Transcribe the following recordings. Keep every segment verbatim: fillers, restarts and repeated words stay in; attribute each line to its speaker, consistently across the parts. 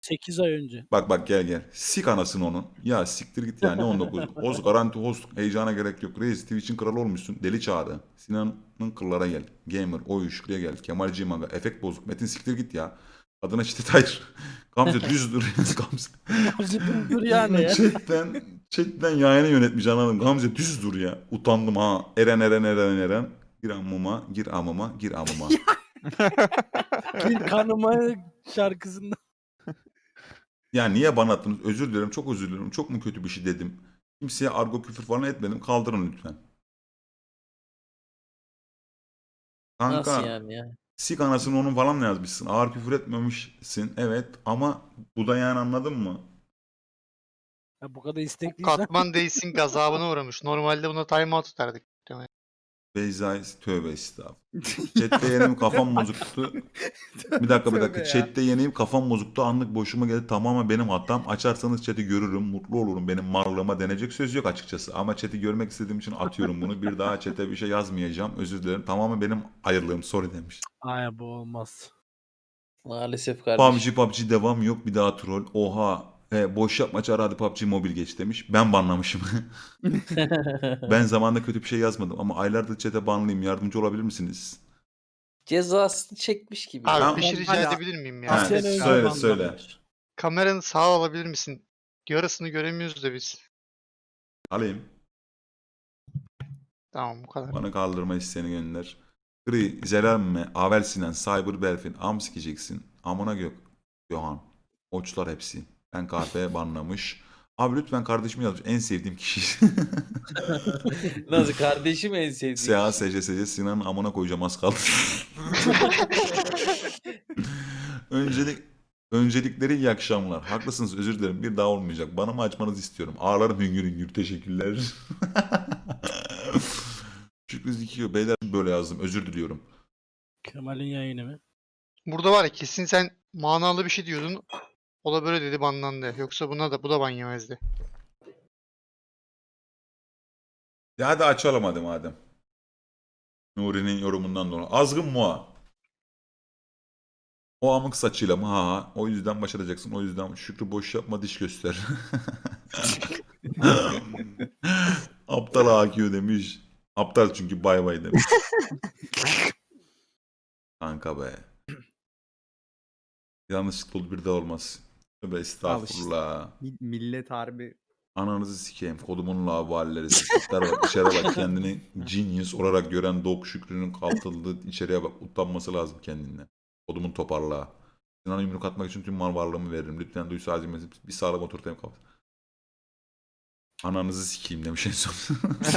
Speaker 1: sekiz ay önce.
Speaker 2: Bak bak gel gel. Sik anasını onun. Ya siktir git ya ne on dokuz. Host garanti host. Heyecana gerek yok. Reis Twitch'in kralı olmuşsun. Deli Çağrı. Sinan'ın kıllara gel. Gamer. Oy Şükrü'ye gel. Kemal Cimaga. Efekt bozuk. Metin siktir git ya. Adına çitit hayır. Gamze düz dur. Gamze.
Speaker 1: Gamze dur yani ya.
Speaker 2: Chatten, chatten yayını yönetmiş anladım. Gamze düz dur ya. Utandım ha. Eren Eren Eren Eren. Gir amıma, gir amıma, gir amıma.
Speaker 1: Bir kanıma şarkısında.
Speaker 2: Ya niye bana attınız? Özür dilerim, çok özür dilerim. Çok mu kötü bir şey dedim? Kimseye argo küfür falan etmedim. Kaldırın lütfen. Kanka,
Speaker 3: Nasıl yani ya?
Speaker 2: sik anasını onun falan mı yazmışsın? Ağır küfür etmemişsin. Evet ama bu da yani anladın mı?
Speaker 1: Ya bu kadar istekliysen.
Speaker 4: Katman değilsin gazabına uğramış. Normalde buna timeout tutardık.
Speaker 2: Beyza tövbe estağfurullah. Chat'te yeneyim kafam bozuktu. Bir dakika bir dakika. Chat'te yeneyim kafam bozuktu. Anlık boşuma geldi. Tamamen benim hatam. Açarsanız chat'i görürüm. Mutlu olurum. Benim marlığıma denecek söz yok açıkçası. Ama chat'i görmek istediğim için atıyorum bunu. Bir daha chat'e bir şey yazmayacağım. Özür dilerim. Tamamen benim ayırlığım. Sorry demiş.
Speaker 1: Ay bu olmaz.
Speaker 3: Maalesef kardeşim.
Speaker 2: P U B G P U B G devam yok. Bir daha troll. Oha. E, boş yapma çağır hadi P U B G mobil geç demiş. Ben banlamışım. Ben zamanında kötü bir şey yazmadım. Ama aylardır chat'e banlıyım. Yardımcı olabilir misiniz?
Speaker 3: Cezasını çekmiş gibi.
Speaker 4: Abi
Speaker 2: Tamam.
Speaker 4: bir şey rica
Speaker 1: Hala-
Speaker 4: edebilir miyim
Speaker 2: Ha,
Speaker 4: ya?
Speaker 1: Sene önce
Speaker 2: söyle,
Speaker 1: banlanmış.
Speaker 2: söyle.
Speaker 4: Kameranı sağa alabilir misin? Yarısını göremiyoruz da biz.
Speaker 2: Alayım.
Speaker 4: Tamam bu kadar.
Speaker 2: Bana kaldırma isteğini gönder. Gri, Zelenme, Avel Sinan, Cyber Berfin, Am sikeceksin. Amına gök. Yohan. Oçlar hepsi. Ben kahve banlamış. Abi lütfen kardeşimi yazmış. En sevdiğim kişi.
Speaker 3: Nasıl kardeşim en sevdiğim.
Speaker 2: S A S C S C Sinan'ın amına koyacağım az kaldı. Öncelik Öncelikleri iyi akşamlar. Haklısınız özür dilerim. Bir daha olmayacak. Bana mı açmanızı istiyorum. Ağlarım hüngür hüngür. Teşekkürler. Şükrü Zikiyo. Beyler böyle yazdım. Özür diliyorum.
Speaker 1: Kemal'in yayını mı?
Speaker 4: Burada var ya kesin sen manalı bir şey diyordun. O da böyle dedi banlandı. Yoksa buna da bu da ban yemezdi.
Speaker 2: Ya hadi açalım hadi madem. Nuri'nin yorumundan dolayı. Azgın Moğa. O amık saçıyla mı? Ha ha. O yüzden başaracaksın. O yüzden Şükrü boş yapma diş göster. Aptal A Q demiş. Aptal çünkü bay bay demiş. Kanka be. Yanlışlıkla olur bir de olmaz. Tövbe estağfurullah.
Speaker 5: Mi- Millet harbi
Speaker 2: Ananızı sikeyim. Kodumun lavalleri. Siktir bak içeri bak. Kendini genius olarak gören Dok Şükrü'nün kaltıldığı içeriye bak. Utanması lazım kendinden. Kodumun toparlığa. Sinan'a yumruk atmak için tüm mal varlığımı veririm. Lütfen duysa acımızı bir sağlam oturtayım kafasına. Ananızı sikeyim demiş en son.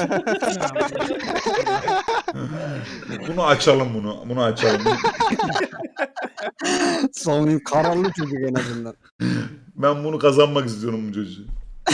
Speaker 2: Bunu açalım bunu. Bunu açalım.
Speaker 5: Son kararlı çocuk en azından.
Speaker 2: Ben bunu kazanmak istiyorum bu çocuğu.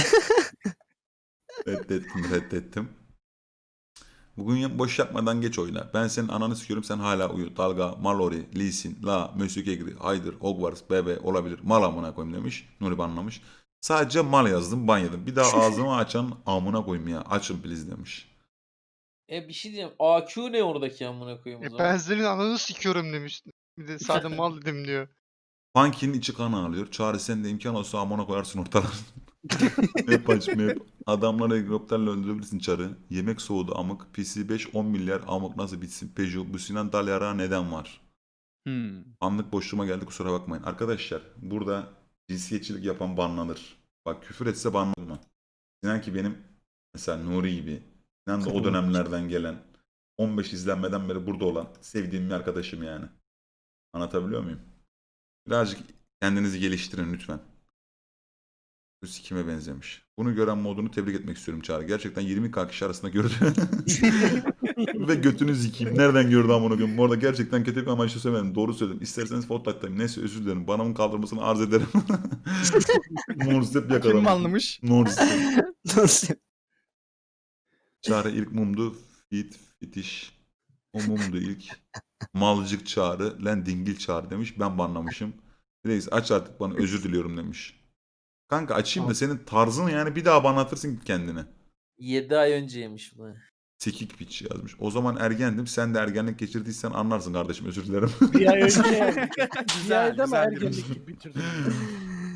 Speaker 2: Reddettim, reddettim. Bugün boş yapmadan geç oyna. Ben senin ananı sikiyorum sen hala uyu. Dalga, Mallory, Lee Sin, La, Monsieur Kegri, Haydır, Hogwarts, Bebe olabilir. Mal amına koyayım demiş. Nuri banlamış. Sadece mal yazdım ban yedim. Bir daha ağzımı açan amına koyayım ya. Açın please demiş.
Speaker 3: E bir şey diyeceğim. A Q ne oradaki amına koyayım o
Speaker 4: E,
Speaker 3: zaman?
Speaker 4: ben senin ananı sikiyorum demiş. Bir de sadece mal dedim diyor.
Speaker 2: Funky'nin içi kan ağlıyor. Çağrı sen de imkan olsa amına koyarsın ortalar. Map aç map. Adamları helikopterle öldürebilirsin Çarı. Yemek soğudu amık. P C beş on milyar amık nasıl bitsin? Peugeot bu Sinan Dalyara neden var?
Speaker 5: Hmm.
Speaker 2: Anlık boşluğuma geldi kusura bakmayın. Arkadaşlar burada cinsiyetçilik yapan banlanır. Bak küfür etse banlanma. Sinan ki benim mesela Nuri gibi. Sinan da o dönemlerden gelen on beş izlenmeden beri burada olan sevdiğim bir arkadaşım yani. Anlatabiliyor muyum? Birazcık kendinizi geliştirin lütfen. Bu sikime benzemiş. Bunu gören modunu tebrik etmek istiyorum Çağrı. Gerçekten yirmi K kişi arasında gördü. Ve götünü zikeyim. Nereden gördü amına koyayım? Bu arada gerçekten kötü bir amaçla söylemedim. Doğru söyledim. İsterseniz fotoğraftayım. Neyse özür dilerim. Bana bunun kaldırmasını arz ederim. Norsep yakalamış.
Speaker 5: Kim anlamış?
Speaker 2: Norsep. Çağrı ilk mumdu. Fit, fitiş. O mumdu ilk. Malcık Çağrı. Lan dingil Çağrı demiş. Ben banlamışım. Reis aç artık bana özür diliyorum demiş. Kanka açayım da senin tarzını yani bir daha bana atırsın kendine.
Speaker 3: yedi ay önceymiş bu.
Speaker 2: Sekik piç yazmış. O zaman ergendim. Sen de ergenlik geçirdiysen anlarsın kardeşim özür dilerim.
Speaker 1: Bir ay önce. Bir
Speaker 5: Güzel,
Speaker 1: ayda mı
Speaker 5: güzel
Speaker 1: ergenlik gibi bitirdin?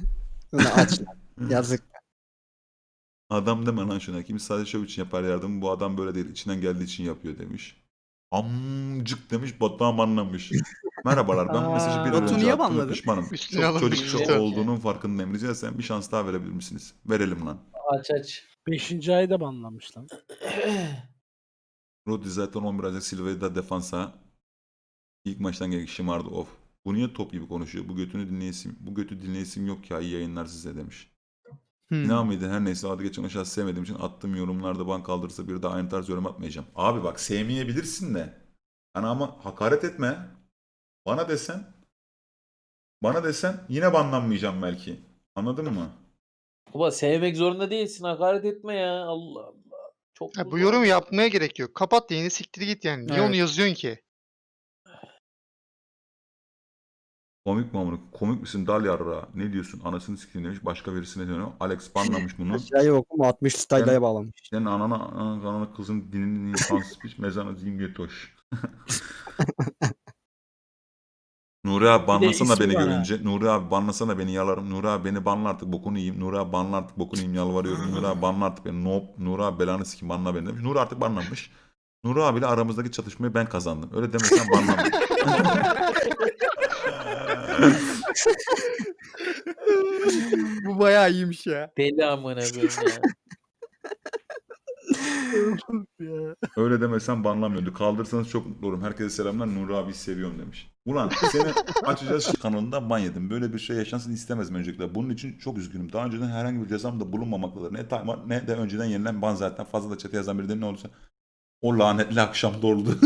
Speaker 5: Bunu aç. Yazık.
Speaker 2: Adam deme lan şuna. Kim sadece şov için yapar yardımı. Bu adam böyle değil. İçinden geldiği için yapıyor demiş. Amcık demiş. Batuhan banlamış. Merhabalar, ben bu mesajı bir
Speaker 1: Aa.
Speaker 2: an
Speaker 5: Batu
Speaker 2: önce
Speaker 5: niye
Speaker 2: attım ve
Speaker 5: banladın?
Speaker 2: pişmanım.
Speaker 4: Üstüne
Speaker 2: Çok
Speaker 4: alınmış
Speaker 2: çocukça
Speaker 3: işte.
Speaker 2: olduğunun farkındayım. Rica etsem bir şans daha verebilir misiniz? Verelim lan.
Speaker 3: Aç aç.
Speaker 1: Beşinci ayda banlanmış lan.
Speaker 2: Rodri zaten on bir Ocak Silva'yı da defansa ilk maçtan gelip şımardı of. Bu niye top gibi konuşuyor? Bu götünü dinleyesim, bu götü dinleyesim yok ya, iyi yayınlar size demiş.
Speaker 5: Hmm.
Speaker 2: İnan mıydı? Her neyse, adı geçen aşağı sevmediğim için attığım yorumlarda ban kaldırırsa bir daha aynı tarz yorum atmayacağım. Abi bak, sevmeyebilirsin de. Hani ama hakaret etme. Bana desen bana desen yine banlanmayacağım belki. Anladın mı?
Speaker 3: Baba sevmek zorunda değilsin. Hakaret etme ya. Allah Allah. Çok
Speaker 4: Ya
Speaker 3: mu
Speaker 4: bu
Speaker 3: zor?
Speaker 4: yorumu yapmaya gerek yok. Kapat yayını, siktir git yani. Niye onu
Speaker 5: Evet.
Speaker 4: yazıyorsun ki?
Speaker 2: Komik mi amına? Komik misin dal yarra? Ne diyorsun? Anasını sikeyim demiş. Başka birisine dönüyor. Alex banlamış bunu.
Speaker 5: Aşağıya okuma altmış style'aya bağlamış.
Speaker 2: Senin anana, anana, kanana, kızın dinini insansız piç mezana zim götoş. Nuri abi banlasana
Speaker 1: ismi
Speaker 2: beni
Speaker 1: var ha.
Speaker 2: görünce. Nuri abi banlasana beni, yalarım. Nuri abi beni banla artık, bokunu yiyeyim. Nuri abi banla artık, bokunu yiyeyim, yalvarıyorum. Nuri abi banla artık beni. Nope. Nuri abi belanı sikeyim, banla beni demiş. Nuri artık banlanmış. Nuri abiyle aramızdaki çatışmayı ben kazandım. Öyle demesen banlanmam.
Speaker 5: Bu bayağı iyiymiş ya.
Speaker 3: Deli amına koyayım ya.
Speaker 1: Ya.
Speaker 2: Öyle demesen banlamıyordu. Kaldırsanız çok mutlu olurum. Herkese selamlar. Nuri abi seviyorum demiş. Ulan seni açacağız kanalında ban yedim. Böyle bir şey yaşansın istemezdim öncelikle. Bunun için çok üzgünüm. Daha önceden herhangi bir cezam da bulunmamaktadır. Ne time ne de önceden yenilen ban zaten. Fazla da çete yazan biri de ne olursa o lanetli akşam doldu.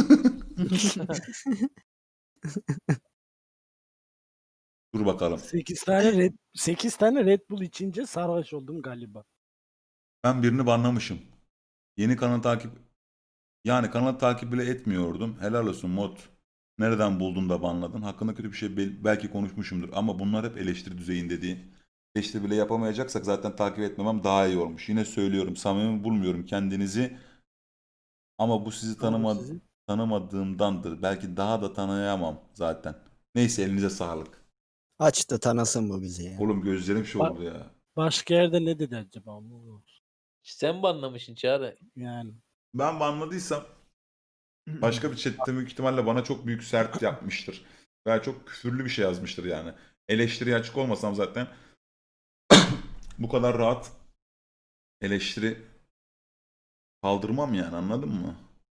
Speaker 2: Dur bakalım.
Speaker 1: sekiz tane Red sekiz tane Red Bull içince sarhoş oldum galiba.
Speaker 2: Ben birini banlamışım. Yeni kanalı takip yani kanalı takip bile etmiyordum. Helal olsun mod. Nereden buldun da banladın? Hakkında kötü bir şey bel- belki konuşmuşumdur ama bunlar hep eleştiri düzeyinde değil. Eleştiri bile yapamayacaksak zaten takip etmemem daha iyi olmuş. Yine söylüyorum, samimi bulmuyorum kendinizi. Ama bu sizi tanıma
Speaker 1: sizi?
Speaker 2: tanımadığımdandır. Belki daha da tanıyamam zaten. Neyse, elinize sağlık.
Speaker 5: Aç da tanısın bu bizi ya.
Speaker 2: Oğlum gözlerim şey
Speaker 1: Bak-
Speaker 2: oldu ya.
Speaker 1: Başka yerde ne dedi acaba?
Speaker 3: Sen banlamışsın Çağrı.
Speaker 1: Yani.
Speaker 2: Ben banladıysam başka bir chatte büyük ihtimalle bana çok büyük sert yapmıştır. Veya çok küfürlü bir şey yazmıştır yani. Eleştiriye açık olmasam zaten bu kadar rahat eleştiri kaldırmam yani, anladın mı?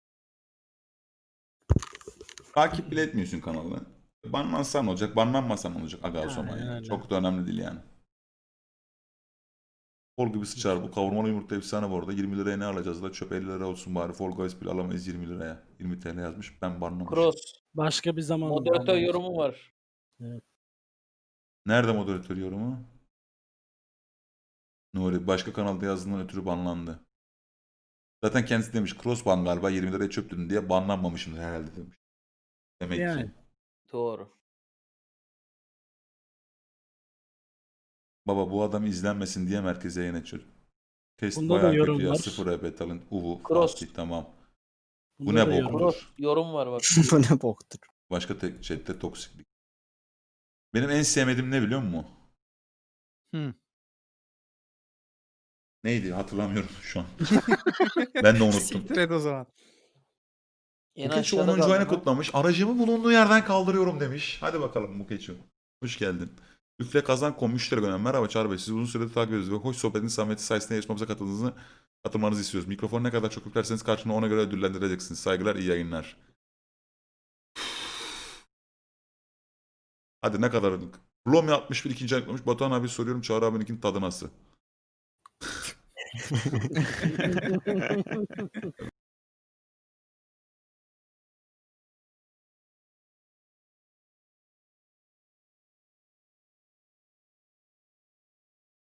Speaker 2: Takip bile etmiyorsun kanalı. Banlansan olacak, banlanmasan olacak aga o zaman yani.
Speaker 1: Aynen.
Speaker 2: Çok da önemli değil yani. Fol gibi sıçar bu kavurmalı yumurta efsane bu arada. yirmi liraya ne alacağız la? Çöp elli lira olsun bari. Fall Guys bile alamayız yirmi liraya. yirmi T L yazmış. Ben banlamışım.
Speaker 3: Cross.
Speaker 1: Başka bir zaman.
Speaker 3: Moderatör
Speaker 1: banlamış.
Speaker 3: yorumu var.
Speaker 2: Nerede moderatör yorumu? Nuri başka kanalda yazdığından ötürü banlandı. Zaten kendisi demiş cross ban galiba yirmi liraya çöptün diye banlanmamışımdır herhalde demiş. Demek
Speaker 1: Yani.
Speaker 2: ki.
Speaker 3: Doğru.
Speaker 2: Baba bu adam izlenmesin diye merkeze yayın açıyor. Test
Speaker 1: Bunda da
Speaker 2: bayağı kötü
Speaker 1: yorum
Speaker 2: ya.
Speaker 1: var.
Speaker 2: Sıfır R P talent. Uvu.
Speaker 3: Cross.
Speaker 2: Fatih tamam. Bu
Speaker 1: Bunda
Speaker 2: ne
Speaker 1: da
Speaker 2: bok?
Speaker 1: yorum.
Speaker 2: Olur.
Speaker 3: Cross yorum var bak.
Speaker 5: Bu ne boktur.
Speaker 2: Başka tek chatte toksiklik. Benim en sevmediğim ne biliyor musun?
Speaker 5: Hmm.
Speaker 2: Neydi hatırlamıyorum şu an. Ben de unuttum.
Speaker 5: Siktir et o zaman.
Speaker 3: En
Speaker 2: Mukeçi
Speaker 3: aşağıda
Speaker 2: onuncu
Speaker 3: kaldı
Speaker 2: ayını
Speaker 3: lan.
Speaker 2: kutlamış. Aracımı bulunduğu yerden kaldırıyorum demiş. Hadi bakalım Mukeçi. Hoş geldin. Üfle kazan kom müşteri önem. Merhaba Çağrı Bey. Sizi uzun süredir takip ediyoruz ve hoş sohbetin samimiyeti sayesinde yarışmamıza katıldığınızı katılmanızı istiyoruz. Mikrofonu ne kadar çok yüklerseniz karşına ona göre ödüllendireceksiniz. Saygılar, iyi yayınlar. Hadi ne kadar ödük. Lomi altmış bir ikinci ayıklamış. Batuhan abi soruyorum, Çağrı abininkinin tadı nasıl?